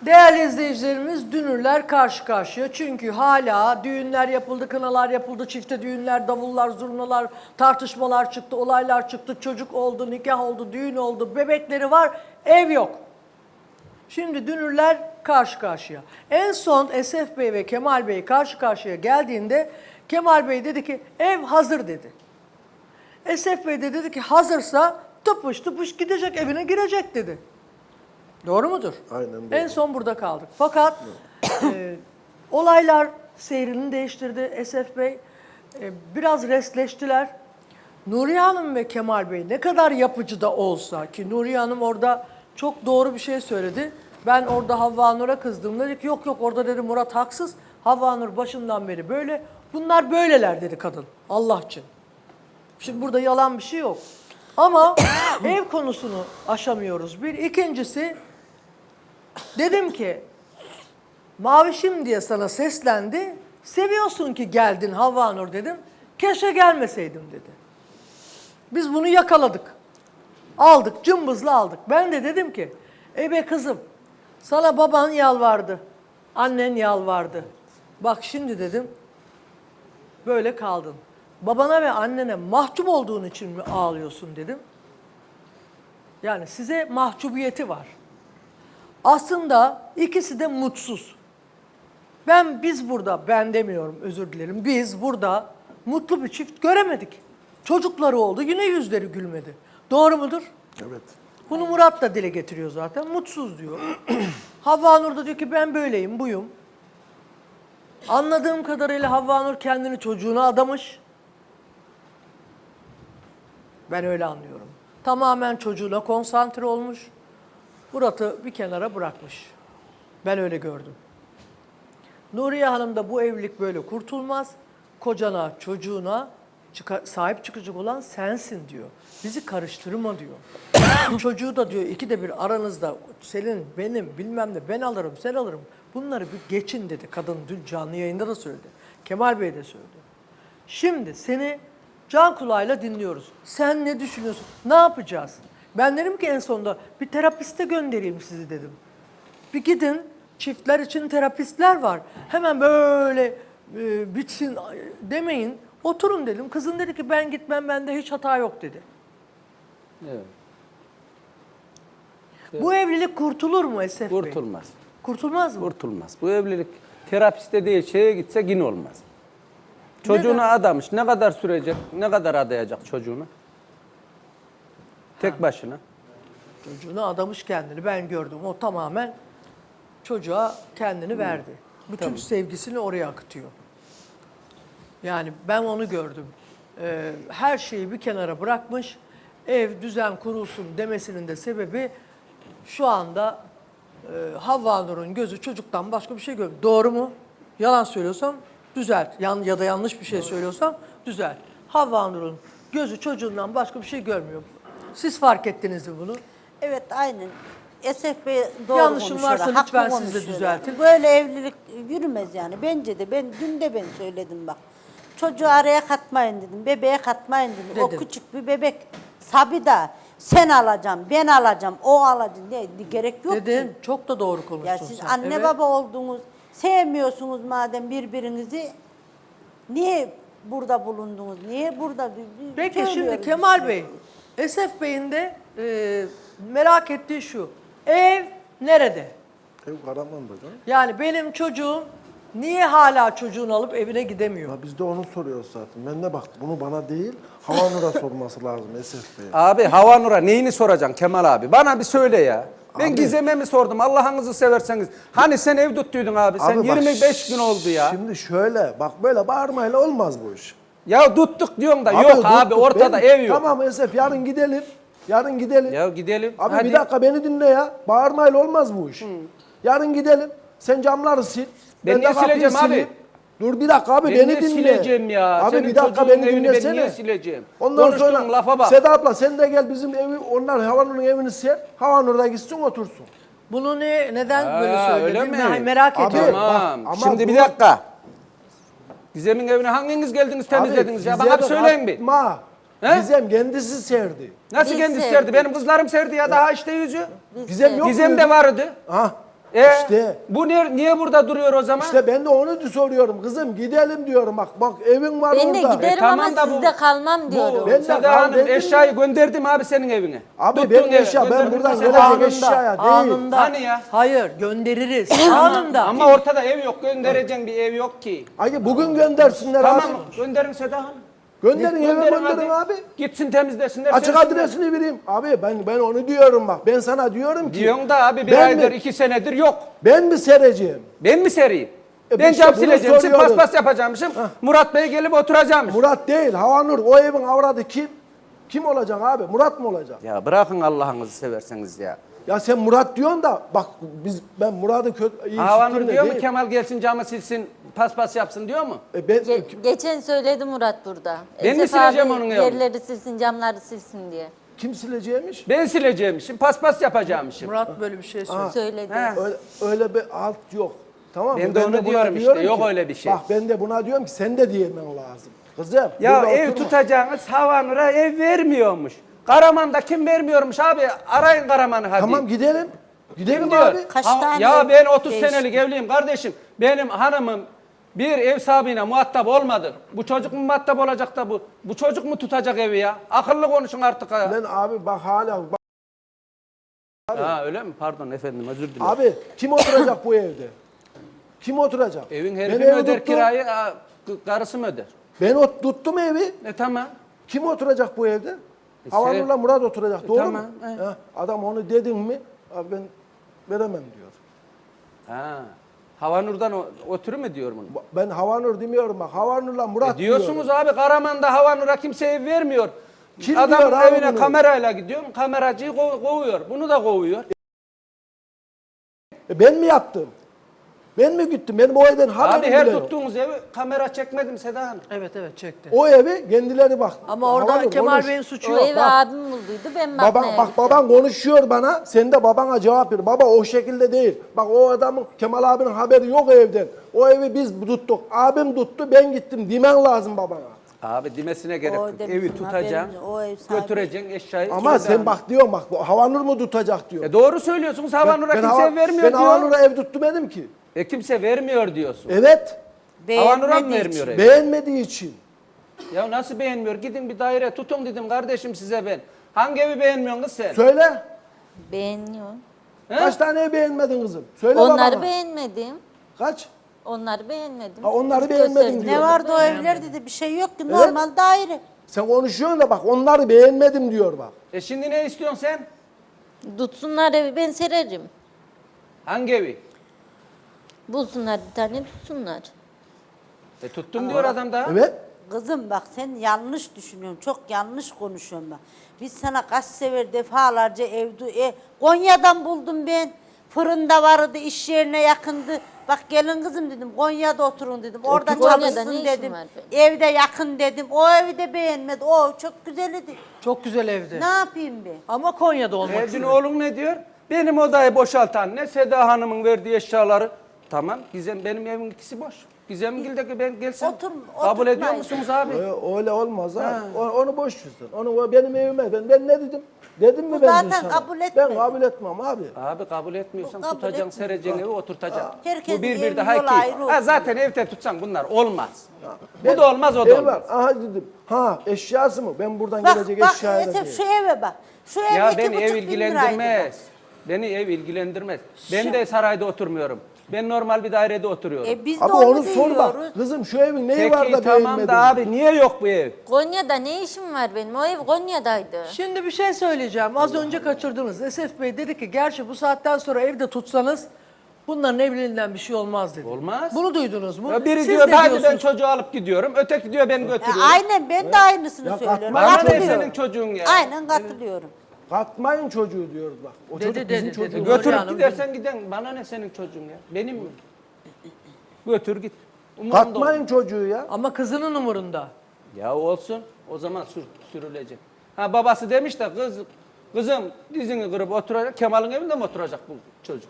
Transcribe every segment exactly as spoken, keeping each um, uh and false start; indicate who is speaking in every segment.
Speaker 1: Değerli izleyicilerimiz, dünürler karşı karşıya. Çünkü hala düğünler yapıldı, kınalar yapıldı, çifte düğünler, davullar, zurnalar, tartışmalar çıktı, olaylar çıktı, çocuk oldu, nikah oldu, düğün oldu, bebekleri var, ev yok. Şimdi dünürler karşı karşıya. En son Esef Bey ve Kemal Bey karşı karşıya geldiğinde Kemal Bey dedi ki ev hazır dedi. Esef Bey de dedi ki hazırsa tıpış tıpış gidecek, evine girecek dedi. Doğru mudur?
Speaker 2: Aynen doğru.
Speaker 1: En son burada kaldık. Fakat e, olaylar seyrini değiştirdi Esef Bey. E, biraz restleştiler. Nuriye Hanım ve Kemal Bey ne kadar yapıcı da olsa ki Nuriye Hanım orada çok doğru bir şey söyledi. Ben orada Havva Nur'a kızdım. Dedi ki yok yok orada dedi Murat haksız. Havva Nur başından beri böyle. Bunlar böyleler dedi kadın. Allah için. Şimdi burada yalan bir şey yok. Ama ev konusunu aşamıyoruz. Bir. İkincisi dedim ki Mavişim diye sana seslendi. Seviyorsun ki geldin Havva Nur dedim. Keşke gelmeseydim dedi. Biz bunu yakaladık. Aldık, cımbızla aldık. Ben de dedim ki, ey be kızım, sana baban yalvardı, annen yalvardı. Bak şimdi dedim, böyle kaldın. Babana ve annene mahcup olduğun için mi ağlıyorsun dedim. Yani size mahcubiyeti var. Aslında ikisi de mutsuz. Ben biz burada, ben demiyorum özür dilerim, biz burada mutlu bir çift göremedik. Çocukları oldu, yine yüzleri gülmedi. Doğru mudur?
Speaker 2: Evet.
Speaker 1: Bunu Murat da dile getiriyor zaten. Mutsuz diyor. Havva Nur da diyor ki ben böyleyim, buyum. Anladığım kadarıyla Havva Nur kendini çocuğuna adamış. Ben öyle anlıyorum. Tamamen çocuğuna konsantre olmuş. Murat'ı bir kenara bırakmış. Ben öyle gördüm. Nuriye Hanım da bu evlilik böyle kurtulmaz. Kocana, çocuğuna çıka, sahip çıkacak olan sensin diyor. Bizi karıştırma diyor. Çocuğu da diyor ikide bir aranızda senin, benim, bilmem ne ben alırım, sen alırım. Bunları bir geçin dedi. Kadın dün canlı yayında da söyledi. Kemal Bey de söyledi. Şimdi seni can kulağıyla dinliyoruz. Sen ne düşünüyorsun? Ne yapacağız? Ben dedim ki en sonunda bir terapiste göndereyim sizi dedim. Bir gidin, çiftler için terapistler var. Hemen böyle e, bitsin demeyin. Oturun dedim. Kızın dedi ki ben gitmem, bende hiç hata yok dedi.
Speaker 3: Evet.
Speaker 1: Bu evlilik kurtulur mu Esef Bey?
Speaker 3: Kurtulmaz.
Speaker 1: Kurtulmaz mı?
Speaker 3: Kurtulmaz. Bu evlilik terapiste değil şeye gitse yine olmaz. Çocuğuna
Speaker 1: Neden?
Speaker 3: adamış. Ne kadar sürecek? Ne kadar adayacak çocuğunu? Tek başına.
Speaker 1: Çocuğuna adamış kendini. Ben gördüm. O tamamen çocuğa kendini verdi. Bütün
Speaker 3: Tamam.
Speaker 1: sevgisini oraya akıtıyor. Yani ben onu gördüm. Ee, her şeyi bir kenara bırakmış. Ev düzen kurulsun demesinin de sebebi şu anda e, Havva Nur'un gözü çocuktan başka bir şey görmüyor. Doğru mu? Yalan söylüyorsam düzelt. Yan, ya da yanlış bir şey söylüyorsam düzelt. Havva Nur'un gözü çocuğundan başka bir şey görmüyor. Siz fark ettiniz mi bunu?
Speaker 4: Evet aynen. Esef Bey doğru
Speaker 1: Yanlışım
Speaker 4: konuşuyor.
Speaker 1: varsa
Speaker 4: haklı
Speaker 1: lütfen siz de
Speaker 4: konuşuyor.
Speaker 1: düzeltin.
Speaker 4: Böyle evlilik yürümez yani. Bence de ben dün de ben söyledim bak. Çocuğu araya katmayın dedim. Bebeğe katmayın dedim.
Speaker 1: Dedin.
Speaker 4: O küçük bir bebek. Sabida sen alacaksın, ben alacağım, o alacak. Ne, gerek yok
Speaker 1: Dedin.
Speaker 4: ki.
Speaker 1: Çok da doğru konuştun
Speaker 4: Ya siz
Speaker 1: sen.
Speaker 4: anne
Speaker 1: Evet.
Speaker 4: baba oldunuz. Sevmiyorsunuz madem birbirinizi. Niye burada bulundunuz? Niye burada?
Speaker 1: Peki şimdi
Speaker 4: Söylüyoruz
Speaker 1: Kemal
Speaker 4: biz.
Speaker 1: Bey, Esef Bey'in de e, merak ettiği şu. Ev nerede?
Speaker 2: Ev Karaman'da canım.
Speaker 1: Yani benim çocuğum niye hala çocuğunu alıp evine gidemiyor?
Speaker 2: Ya biz de onu soruyoruz zaten. Ben de bak bunu bana değil, Havanur'a sorması lazım Esef Bey.
Speaker 3: Abi Havanur'a neyini soracaksın Kemal abi? Bana bir söyle ya. Ben
Speaker 2: Abi-
Speaker 3: Gizem'e mi sordum? Allah'ınızı severseniz. Hani sen ev tuttuydun abi. Sen
Speaker 2: Abi bak,
Speaker 3: yirmi beş gün oldu ya.
Speaker 2: Şimdi şöyle, bak böyle bağırmayla olmaz bu iş.
Speaker 3: Ya tuttuk diyorsun da yok
Speaker 2: tuttuk,
Speaker 3: abi ortada
Speaker 2: ben-
Speaker 3: ev yok.
Speaker 2: Tamam Esef yarın gidelim. Yarın gidelim.
Speaker 3: Ya gidelim.
Speaker 2: Abi
Speaker 3: hadi.
Speaker 2: bir dakika beni dinle ya. Bağırmayla olmaz bu iş. Yarın gidelim. Sen camları sil.
Speaker 3: Ben
Speaker 2: de
Speaker 3: niye
Speaker 2: kapıyı
Speaker 3: sileceğim abi?
Speaker 2: sileyim. Dur bir dakika abi
Speaker 3: Ben
Speaker 2: beni
Speaker 3: niye
Speaker 2: dinle.
Speaker 3: sileceğim ya?
Speaker 2: Abi
Speaker 3: Senin
Speaker 2: bir dakika
Speaker 3: çocuğun
Speaker 2: beni
Speaker 3: evini ben
Speaker 2: dinlesene.
Speaker 3: niye sileceğim?
Speaker 2: Ondan
Speaker 3: Konuştuğun
Speaker 2: sonra
Speaker 3: lafa bak.
Speaker 2: Seda abla sen de gel bizim evi onlar Havanur'un evini sil. Havanur da gitsin otursun.
Speaker 1: Bunu ne neden
Speaker 3: Ha,
Speaker 1: böyle
Speaker 3: öyle
Speaker 1: söyledin?
Speaker 3: mi?
Speaker 1: Ben merak
Speaker 2: Abi,
Speaker 1: ediyorum.
Speaker 3: Tamam.
Speaker 2: bak, ama
Speaker 3: Şimdi bir
Speaker 2: bu-
Speaker 3: dakika. Gizem'in evine hanginiz geldiniz temizlediniz ya? Bana bir söyleyin bir.
Speaker 2: Ma.
Speaker 3: He?
Speaker 2: Gizem kendisi serdi.
Speaker 3: Nasıl
Speaker 4: Biz
Speaker 3: kendisi
Speaker 4: sevdik.
Speaker 3: serdi? Benim kızlarım serdi ya daha işte yüzü.
Speaker 2: Gizem yok
Speaker 3: Gizem
Speaker 2: muydu?
Speaker 3: de vardı.
Speaker 2: Ha.
Speaker 3: E,
Speaker 2: İşte.
Speaker 3: bu niye, niye burada duruyor o zaman?
Speaker 2: İşte ben de onu soruyorum kızım, gidelim diyorum, bak bak evin var
Speaker 5: Ben de
Speaker 2: orada.
Speaker 5: giderim
Speaker 3: E, tamam
Speaker 5: ama
Speaker 3: da bu-
Speaker 5: sizde kalmam diyorum.
Speaker 3: Bu
Speaker 2: Ben de
Speaker 3: Seda
Speaker 2: kal
Speaker 3: Hanım
Speaker 2: dedim
Speaker 3: eşyayı gönderdim abi senin evine.
Speaker 2: Abi
Speaker 3: Tuttun
Speaker 2: benim
Speaker 3: eve,
Speaker 2: eşya, ben
Speaker 3: gönderdim
Speaker 2: buradan
Speaker 3: Seda
Speaker 2: gelecek
Speaker 3: Hanım.
Speaker 2: eşyaya değil.
Speaker 1: anında.
Speaker 3: Hani ya?
Speaker 1: Hayır göndeririz. anında.
Speaker 3: Ama ortada ev yok, göndereceğin bir ev yok ki.
Speaker 2: Ay bugün göndersinler
Speaker 3: Tamam
Speaker 2: abi.
Speaker 3: gönderin Seda Hanım.
Speaker 2: Gönderin eve gönderin
Speaker 3: hadi.
Speaker 2: abi.
Speaker 3: Gitsin temizlesinler.
Speaker 2: Açık
Speaker 3: sersinler.
Speaker 2: adresini vereyim. Abi ben ben onu diyorum bak. Ben sana diyorum ki.
Speaker 3: Diyorsun da abi bir
Speaker 2: Ben
Speaker 3: aydır,
Speaker 2: mi-
Speaker 3: iki senedir yok.
Speaker 2: Ben mi sereceğim?
Speaker 3: Ben mi sereyim?
Speaker 2: E,
Speaker 3: ben
Speaker 2: işte
Speaker 3: cam
Speaker 2: bunu
Speaker 3: sileceğim, şimdi
Speaker 2: soruyoruz.
Speaker 3: paspas yapacağımışım. Murat Bey gelip oturacakmış.
Speaker 2: Murat değil, Havanur. O evin avradı kim? Kim olacak abi? Murat mı olacak?
Speaker 3: Ya bırakın Allah'ınızı severseniz ya.
Speaker 2: Ya sen Murat diyorsun da bak biz ben Murat'ı kötü iyi
Speaker 3: Havanur
Speaker 2: işittim de
Speaker 3: diyor mu
Speaker 2: değil.
Speaker 3: Kemal gelsin camı silsin, paspas yapsın diyor mu?
Speaker 2: E ben
Speaker 5: Ge- geçen söyledi Murat burada.
Speaker 3: Ben mi
Speaker 5: Esef
Speaker 3: sileceğim
Speaker 5: abi
Speaker 3: onun evini?
Speaker 5: yerleri silsin, camları silsin diye.
Speaker 2: kim sileceğimiş?
Speaker 3: Ben sileceğimmişim, paspas yapacağımmışım.
Speaker 1: Murat böyle bir şey söyledi.
Speaker 5: Söyledi.
Speaker 3: He.
Speaker 2: Öyle, öyle bir alt yok. Tamam mı?
Speaker 3: Ben de onu
Speaker 2: buna
Speaker 3: diyorum işte,
Speaker 2: diyorum
Speaker 3: yok
Speaker 2: ki-
Speaker 3: öyle bir şey.
Speaker 2: Bak ben de buna diyorum ki sen de diyemen lazım. Kızım.
Speaker 3: Ya
Speaker 2: burada
Speaker 3: ev
Speaker 2: oturma.
Speaker 3: tutacağınız Havanur'a ev vermiyormuş. Karaman'da kim vermiyormuş abi? Arayın Karaman'ı hadi.
Speaker 2: Tamam gidelim. Gidelim
Speaker 3: Kim diyor?
Speaker 2: abi.
Speaker 4: Kaç
Speaker 3: Ha-
Speaker 4: tane
Speaker 3: ya
Speaker 4: ev
Speaker 3: ben otuz
Speaker 4: değişti?
Speaker 3: senelik evliyim kardeşim. Benim hanımım bir ev sahibine muhatap olmadı. Bu çocuk mu muhatap olacak da bu? Bu çocuk mu tutacak evi ya? Akıllı konuşun artık ya.
Speaker 2: Ben abi bak hala bak,
Speaker 3: Ha öyle mi? Pardon efendim özür dilerim.
Speaker 2: abi kim oturacak bu evde? Kim oturacak?
Speaker 3: Evin
Speaker 2: Ben
Speaker 3: herifi mi
Speaker 2: evi
Speaker 3: öder
Speaker 2: tuttum.
Speaker 3: kirayı, ha, k- karısı mı öder?
Speaker 2: Ben ot, tuttum evi.
Speaker 3: E tamam.
Speaker 2: Kim oturacak bu evde?
Speaker 3: E,
Speaker 2: Havanur'la
Speaker 3: sen-
Speaker 2: Murat oturacak. Doğru
Speaker 3: tamam,
Speaker 2: mu?
Speaker 3: he.
Speaker 2: Ha, adam onu dedin mi? Abi ben veremem diyor.
Speaker 3: Ha. Havanur'dan o, oturur mu diyor bunu?
Speaker 2: Ba- Ben Havanur demiyorum bak. Havanur'la Murat
Speaker 3: E diyorsunuz
Speaker 2: diyorum.
Speaker 3: abi Karaman'da Havanur'a kimse ev vermiyor.
Speaker 2: Kim
Speaker 3: Adamın
Speaker 2: diyor abi
Speaker 3: evine
Speaker 2: bunu?
Speaker 3: kamerayla gidiyorum, kameracıyı kov- kovuyor. Bunu da kovuyor.
Speaker 2: E ben mi yaptım? Ben mi gittim? Benim o evden haberim
Speaker 3: Abi her
Speaker 2: bile yok.
Speaker 3: tuttuğunuz evi kamera çekmedim Seda Hanım.
Speaker 1: Evet evet çekti.
Speaker 2: O evi kendileri bak.
Speaker 1: Ama orada
Speaker 2: Havanur
Speaker 1: Kemal
Speaker 2: konuş.
Speaker 1: Bey'in suçu
Speaker 5: O
Speaker 1: yok.
Speaker 5: evi
Speaker 1: Bak,
Speaker 5: abim bulduydu, ben
Speaker 2: Baban,
Speaker 5: bakmaya
Speaker 2: bak
Speaker 5: gittim.
Speaker 2: baban konuşuyor bana, sen de babana cevap ver. Baba o şekilde değil. Bak o adamın, Kemal abinin haberi yok evden. O evi biz tuttuk. Abim tuttu, ben gittim. Demen lazım babana.
Speaker 3: Abi demesine gerek
Speaker 4: O
Speaker 3: yok.
Speaker 4: da
Speaker 3: Evi
Speaker 4: bizim
Speaker 3: tutacaksın,
Speaker 4: haberimiz, o ev sahibi.
Speaker 3: götüreceksin eşyayı.
Speaker 2: Ama
Speaker 3: Seda
Speaker 2: sen
Speaker 3: Hanım.
Speaker 2: bak diyorsun bak, bu Havanur mu tutacak diyor.
Speaker 3: E doğru söylüyorsunuz Havanur'a kimse
Speaker 2: hava-
Speaker 3: ev vermiyor
Speaker 2: ben
Speaker 3: diyor.
Speaker 2: Havanur'a ev tutmadım ki.
Speaker 3: E kimse vermiyor diyorsun.
Speaker 2: Evet,
Speaker 3: Havanur'a mı
Speaker 4: Beğenmediği
Speaker 3: vermiyor
Speaker 4: için.
Speaker 3: ev?
Speaker 2: beğenmediği için.
Speaker 3: Ya nasıl beğenmiyor? Gidin bir daire tutun dedim kardeşim size ben. Hangi evi beğenmiyorsun kız sen?
Speaker 2: Söyle,
Speaker 5: Beğeniyor.
Speaker 3: He?
Speaker 2: kaç tane ev beğenmedin kızım? Söyle
Speaker 5: Onları
Speaker 2: babana.
Speaker 5: beğenmedim.
Speaker 2: Kaç?
Speaker 5: Onları beğenmedim.
Speaker 2: Ha, onları
Speaker 5: Hiç
Speaker 2: beğenmedin
Speaker 5: gösterdim.
Speaker 2: diyor.
Speaker 4: Ne vardı o evlerde de bir şey yok ki. Normal daire.
Speaker 2: Sen konuşuyorsun da bak onları beğenmedim diyor bak.
Speaker 3: E şimdi ne istiyorsun sen?
Speaker 5: Tutsunlar evi, ben sererim.
Speaker 3: Hangi evi?
Speaker 5: Bulsunlar bir tane, tutsunlar.
Speaker 3: E tuttum diyor adam da.
Speaker 2: Evet.
Speaker 4: Kızım bak sen yanlış düşünüyorsun. Çok yanlış konuşuyorsun bak. Biz sana kaç sefer defalarca evde e, Konya'dan buldum ben. Fırında vardı, iş yerine yakındı. Bak gelin kızım dedim, Konya'da oturun dedim. Orada
Speaker 5: Konya'da
Speaker 4: çalışsın
Speaker 5: ne işin
Speaker 4: dedim.
Speaker 5: var benim?
Speaker 4: Evde yakın dedim. O evi de beğenmedi. O çok güzeldi.
Speaker 1: çok güzel evde.
Speaker 4: Ne yapayım ben?
Speaker 1: Ama Konya'da olmak
Speaker 3: E dün
Speaker 1: istiyor.
Speaker 3: oğlum ne diyor? Benim odayı boşaltan ne Seda Hanım'ın verdiği eşyaları. Tamam Gizem benim evim ikisi boş. Gizemgil'deki ben gelsin.
Speaker 4: Otur-
Speaker 3: Kabul ediyor
Speaker 4: oturtmayın.
Speaker 3: musunuz abi?
Speaker 2: Öyle, öyle olmaz ha. O- Onu boş ver. Onu o benim evime. Ben, ben ne dedim? Dedim mi
Speaker 4: Bu
Speaker 2: ben
Speaker 4: zaten
Speaker 2: dün sana?
Speaker 4: kabul
Speaker 2: Ben
Speaker 4: etmedi.
Speaker 2: kabul etmem abi.
Speaker 3: Abi kabul etmiyorsan
Speaker 4: Bu kabul
Speaker 3: tutacaksın,
Speaker 4: etmiyor.
Speaker 3: sereceksin evi oturtacaksın.
Speaker 4: Herkesin
Speaker 3: Bu bir bir
Speaker 4: evinin
Speaker 3: daha
Speaker 4: yolu
Speaker 3: iki.
Speaker 4: ayrı
Speaker 3: Ha,
Speaker 4: olsun.
Speaker 3: zaten evde tutsan bunlar olmaz.
Speaker 2: Ben-
Speaker 3: Bu da olmaz o da
Speaker 2: Ev
Speaker 3: olmaz.
Speaker 2: var. Aha dedim. Ha eşyası mı? Ben buradan
Speaker 4: Bak
Speaker 2: gelecek
Speaker 4: bak
Speaker 2: eşyaya da
Speaker 4: Esef
Speaker 2: değil.
Speaker 4: şu eve bak. Şu ev
Speaker 3: Ya
Speaker 4: iki
Speaker 3: beni
Speaker 4: buçuk
Speaker 3: ev
Speaker 4: bin liraydı bak.
Speaker 3: ilgilendirmez. Beni ev ilgilendirmez. Ben de sarayda oturmuyorum. Ben normal bir dairede oturuyorum.
Speaker 4: E biz de
Speaker 2: Abi
Speaker 4: onu,
Speaker 2: onu sor bak.
Speaker 4: diyoruz.
Speaker 2: Kızım şu evin neyi var
Speaker 3: Peki
Speaker 2: da
Speaker 3: tamam
Speaker 2: beğenmedin?
Speaker 3: da abi niye yok bu ev?
Speaker 5: Konya'da ne işim var benim? O ev Konya'daydı.
Speaker 1: Şimdi bir şey söyleyeceğim. Az önce kaçırdınız. Esef Bey dedi ki gerçi bu saatten sonra evde tutsanız bunların evliliğinden bir şey olmaz dedi.
Speaker 3: Olmaz.
Speaker 1: Bunu duydunuz mu?
Speaker 3: Ya biri
Speaker 1: Siz
Speaker 3: diyor
Speaker 1: ne
Speaker 3: hadi ben
Speaker 1: diyorsunuz?
Speaker 3: çocuğu alıp gidiyorum. Öteki diyor beni
Speaker 4: E,
Speaker 3: götürüyorum.
Speaker 4: aynen ben de aynısını
Speaker 2: Ya
Speaker 4: söylüyorum.
Speaker 2: katma-
Speaker 3: Bana ne
Speaker 4: Katılıyorum.
Speaker 3: senin çocuğun ya?
Speaker 4: Aynen katılıyorum.
Speaker 2: Katmayın çocuğu diyoruz bak. O
Speaker 1: Dedi,
Speaker 2: çocuk
Speaker 1: dedi,
Speaker 2: bizim
Speaker 1: dedi.
Speaker 2: çocuğumuz.
Speaker 1: Götür-
Speaker 3: Götürüp
Speaker 1: Hanım,
Speaker 3: gidersen giden. Bana ne senin çocuğun ya? Benim mi? Götür git. Umurumda
Speaker 2: Katmayın çocuğu ya.
Speaker 1: Ama kızının umurunda.
Speaker 3: olmaz. Ya olsun. O zaman sür, sürülecek. Ha babası demiş de kız kızım dizini kırıp oturacak. Kemal'in evinde mi oturacak bu çocuk?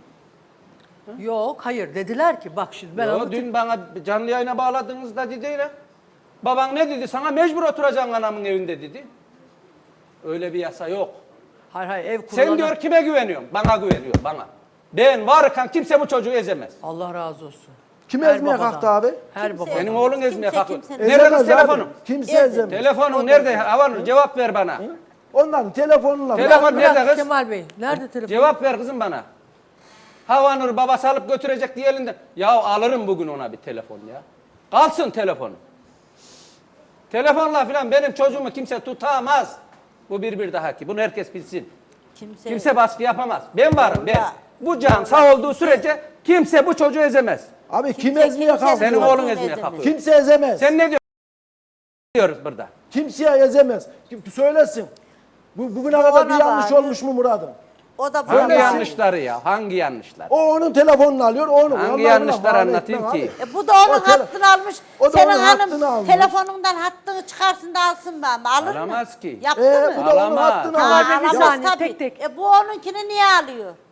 Speaker 1: Yok hayır dediler ki bak şimdi ben
Speaker 3: Yo,
Speaker 1: anlatayım.
Speaker 3: dün bana canlı yayına bağladığınızda dedi ya. Baban ne dedi? Sana mecbur oturacaksın anamın evinde dedi. Öyle bir yasa yok.
Speaker 1: Hayır hayır ev kurulana.
Speaker 3: Sen diyor kime güveniyorsun? Bana güveniyor bana. Ben varken kimse bu çocuğu ezemez.
Speaker 1: Allah razı olsun.
Speaker 2: Kim
Speaker 1: Her
Speaker 2: ezmeye
Speaker 1: babadan.
Speaker 2: kalktı abi?
Speaker 1: Her
Speaker 4: Kimse-
Speaker 1: baba.
Speaker 3: Benim oğlun ezmeye
Speaker 4: Kimse
Speaker 3: kalkıyor.
Speaker 4: kimsenin-
Speaker 3: Nerede
Speaker 2: Ezemez
Speaker 3: kız telefonum?
Speaker 2: abi. Kimse
Speaker 4: Ezemez.
Speaker 2: ezemez.
Speaker 3: Telefonun nerede? Havanur cevap ver bana.
Speaker 2: Onların telefonla.
Speaker 3: Telefon
Speaker 1: Bırak
Speaker 3: nerede kız?
Speaker 1: Kemal Bey. Nerede telefon?
Speaker 3: Cevap ver kızım bana. Havanur babası alıp götürecek diye elinden. Ya alırım bugün ona bir telefon ya. Kalsın telefonu. Telefonla filan benim çocuğumu kimse tutamaz. Bu bir bir daha ki. Bunu herkes bilsin.
Speaker 4: Kimse,
Speaker 3: Kimse baskı yapamaz. Ben varım ben.
Speaker 4: Ya.
Speaker 3: Bu can sağ olduğu sürece kimse bu çocuğu ezemez.
Speaker 2: Abi kim
Speaker 4: Kimse
Speaker 2: ezmeye
Speaker 4: kimsenin
Speaker 2: kalkıyor?
Speaker 3: Senin
Speaker 4: çocuğunu
Speaker 3: oğlun ezmeye
Speaker 4: ezemez.
Speaker 3: kalkıyor.
Speaker 2: Kimse ezemez.
Speaker 3: Sen ne diyorsun? Diyoruz burada.
Speaker 2: Kimseye ezemez. Kim söylesin. Bu, bugüne
Speaker 4: Bu
Speaker 2: kadar bir
Speaker 4: ona
Speaker 2: yanlış
Speaker 4: bağlı.
Speaker 2: olmuş mu Murat'ım?
Speaker 4: O da
Speaker 3: Hangi
Speaker 4: böyle.
Speaker 3: yanlışları ya? Hangi yanlışlar?
Speaker 2: O onun telefonunu alıyor, onu.
Speaker 3: Hangi
Speaker 2: Onunla
Speaker 3: yanlışlar
Speaker 2: buna bağlı
Speaker 3: anlatayım
Speaker 2: etmem
Speaker 3: ki?
Speaker 2: abi.
Speaker 4: E bu da onun
Speaker 2: O tele-
Speaker 4: hattını almış.
Speaker 2: o da
Speaker 4: Senin
Speaker 2: onun
Speaker 4: hanım
Speaker 2: hattını almış.
Speaker 4: telefonundan hattını çıkarsın da alsın ben. Alır mı?
Speaker 3: Alamaz ki.
Speaker 4: Yaptı
Speaker 2: Ee,
Speaker 4: mı?
Speaker 2: bu da onun
Speaker 3: Alamaz.
Speaker 2: hattını
Speaker 1: Ha,
Speaker 2: almış.
Speaker 1: bir
Speaker 4: alamaz
Speaker 1: saniye,
Speaker 4: tabii.
Speaker 1: tek tek.
Speaker 4: E bu onunkini niye alıyor?